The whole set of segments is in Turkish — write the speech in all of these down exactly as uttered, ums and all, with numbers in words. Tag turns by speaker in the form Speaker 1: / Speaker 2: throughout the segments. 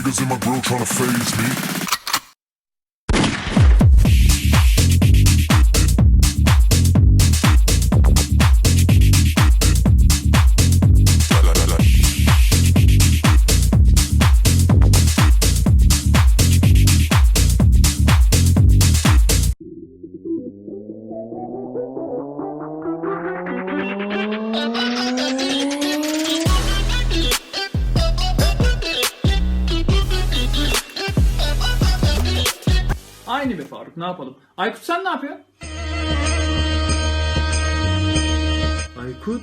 Speaker 1: niggas in my grill tryna phase me.
Speaker 2: Aynı be Faruk, ne yapalım? Aykut sen ne yapıyorsun?
Speaker 3: Aykut?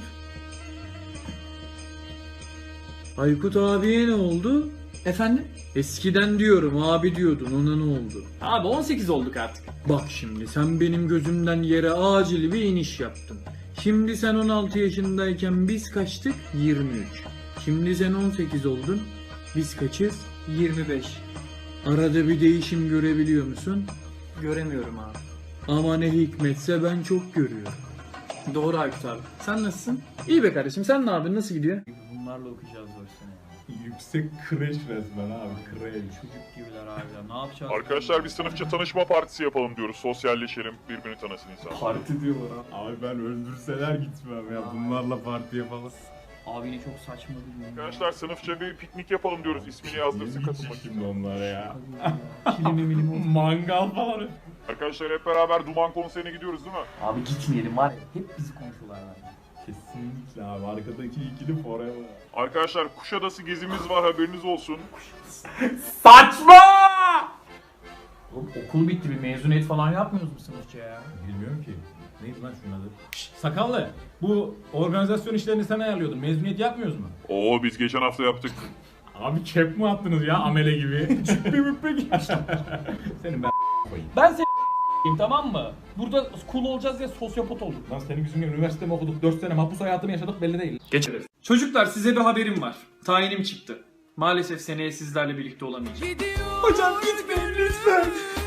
Speaker 3: Aykut abiye ne oldu?
Speaker 2: Efendim?
Speaker 3: Eskiden diyorum abi diyordun, ona ne oldu?
Speaker 2: Abi on sekiz olduk artık.
Speaker 3: Bak şimdi sen benim gözümden yere acil bir iniş yaptın. Şimdi sen on altı yaşındayken biz kaçtık? yirmi üç. Şimdi sen on sekiz oldun. Biz kaçız?
Speaker 2: yirmi beş.
Speaker 3: Arada bir değişim görebiliyor musun?
Speaker 2: Göremiyorum abi.
Speaker 3: Ama ne hikmetse ben çok görüyorum.
Speaker 2: Doğru Aykut abi. Sen nasılsın? İyi be kardeşim, sen ne yapıyorsun? Nasıl gidiyor?
Speaker 4: Bunlarla okuyacağız dört sene ya.
Speaker 5: Yüksek kreş resmen abi, kreş.
Speaker 4: Çocuk gibiler abiler. Ne yapacağız?
Speaker 6: Arkadaşlar bir sınıfça tanışma partisi yapalım diyoruz. Sosyalleşelim, birbirini tanısın insan.
Speaker 5: Parti diyorlar abi. Abi ben öldürseler gitmem ya, bunlarla parti yapalım.
Speaker 4: Abi yine çok saçma bir gün.
Speaker 6: Arkadaşlar sınıfça bir piknik yapalım diyoruz. İsmini yazdırsın, katılmak
Speaker 5: Şimdi
Speaker 6: için.
Speaker 5: onlara ya.
Speaker 2: Kilimi milimi oldu.
Speaker 5: Mangal falan.
Speaker 6: Arkadaşlar hep beraber Duman konserine gidiyoruz değil mi?
Speaker 4: Abi gitmeyelim var ya. Hep bizi konuşuyorlar abi.
Speaker 5: Kesinlikle abi, arkadaki ikili forever.
Speaker 6: Arkadaşlar Kuşadası gezimiz var, haberiniz olsun.
Speaker 2: Saçma! Oğlum okul bitti, bir mezuniyet falan yapmıyoruz mu sınıfça ya?
Speaker 5: Bilmiyorum ki. Neydi lan şunun adı? Şşt, sakallı. Bu organizasyon işlerini sen ayarlıyordun. Mezuniyet yapmıyoruz mu?
Speaker 6: Oo biz geçen hafta yaptık.
Speaker 5: Abi kep mi attınız ya amele gibi? Çıkpi müppe Senin ben koyayım.
Speaker 2: Ben seni tamam mı? Burada cool olacağız diye sosyopat olduk.
Speaker 5: Lan senin yüzünden üniversite mi okuduk? dört sene mahpus hayatımı yaşadık belli değil.
Speaker 2: Geçeriz. Çocuklar size bir haberim var. Tayinim çıktı. Maalesef seneye sizlerle birlikte olamayacağım. Hocam gitmeyin lütfen.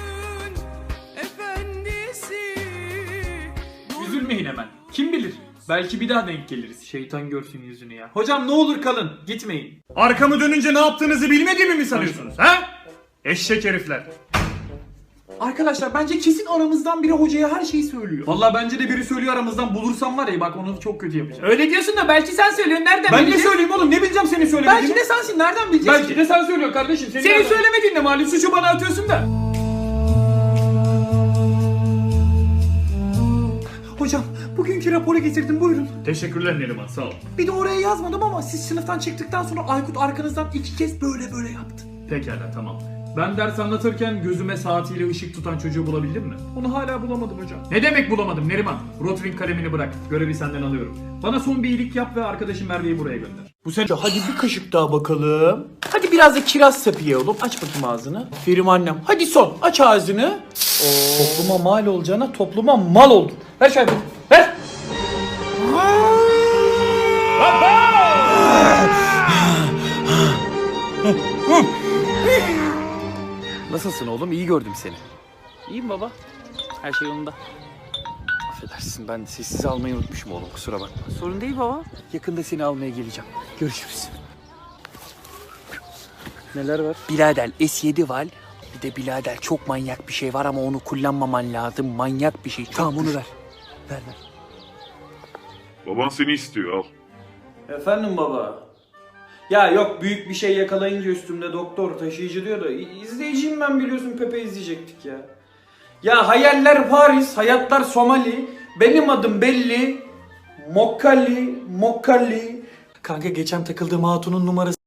Speaker 2: Üzülmeyin hemen. Kim bilir? Belki bir daha denk geliriz. Şeytan görsün yüzünü ya. Hocam ne olur kalın. Gitmeyin. Arkamı dönünce ne yaptığınızı bilmediğimi mi sanıyorsunuz? Ha? Eşek herifler. Arkadaşlar bence kesin aramızdan biri hocaya her şeyi söylüyor. Vallahi bence de biri söylüyor aramızdan, bulursam var ya bak onu çok kötü yapacağım. Öyle diyorsun da belki sen söylüyorsun, nereden ben bileceğiz? Ben ne söyleyeyim oğlum, ne bileceğim senin söylemediğini? Belki de sensin, nereden bileceğiz? Belki ki? de sen söylüyorsun kardeşim. Senin, senin söylemediğin de malum, suçu bana atıyorsun da. Hocam bugünkü raporu getirdim, buyurun. Teşekkürler Neriman, sağ ol. Bir de oraya yazmadım ama siz sınıftan çıktıktan sonra Aykut arkanızdan iki kez böyle böyle yaptı. Pekala, tamam. Ben ders anlatırken gözüme saatiyle ışık tutan çocuğu bulabildin mi? Onu hala bulamadım hocam. Ne demek bulamadım Neriman? Rotring kalemini bırak. Görevi senden alıyorum. Bana son bir iyilik yap ve arkadaşım Merve'yi buraya gönder.
Speaker 7: Bu sene hadi bir kaşık daha bakalım. Hadi biraz da kiraz sapı ye oğlum. Aç bakayım ağzını. Aferin annem. Hadi son. Aç ağzını. Oo. Topluma mal olacağına topluma mal oldun. Ver şöyle. Ver.
Speaker 8: Nasılsın oğlum? İyi gördüm seni.
Speaker 7: İyiyim baba. Her şey yolunda.
Speaker 8: Affedersin, ben sessiz almayı unutmuşum oğlum, kusura bakma.
Speaker 7: Sorun değil baba.
Speaker 8: Yakında seni almaya geleceğim. Görüşürüz.
Speaker 7: Neler var?
Speaker 8: Birader S yedi var. Bir de birader çok manyak bir şey var ama onu kullanmaman lazım. Manyak bir şey. Çok tamam onu ver. Ver ver.
Speaker 6: Baban seni istiyor, al.
Speaker 7: Efendim baba. Ya yok, büyük bir şey yakalayınca üstümde doktor taşıyıcı diyor da izleyiciyim ben, biliyorsun Pepe izleyecektik ya. Ya hayaller Paris, hayatlar Somali, benim adım belli, Mokkali, Mokkali. Kanka geçen takıldığım hatunun numarası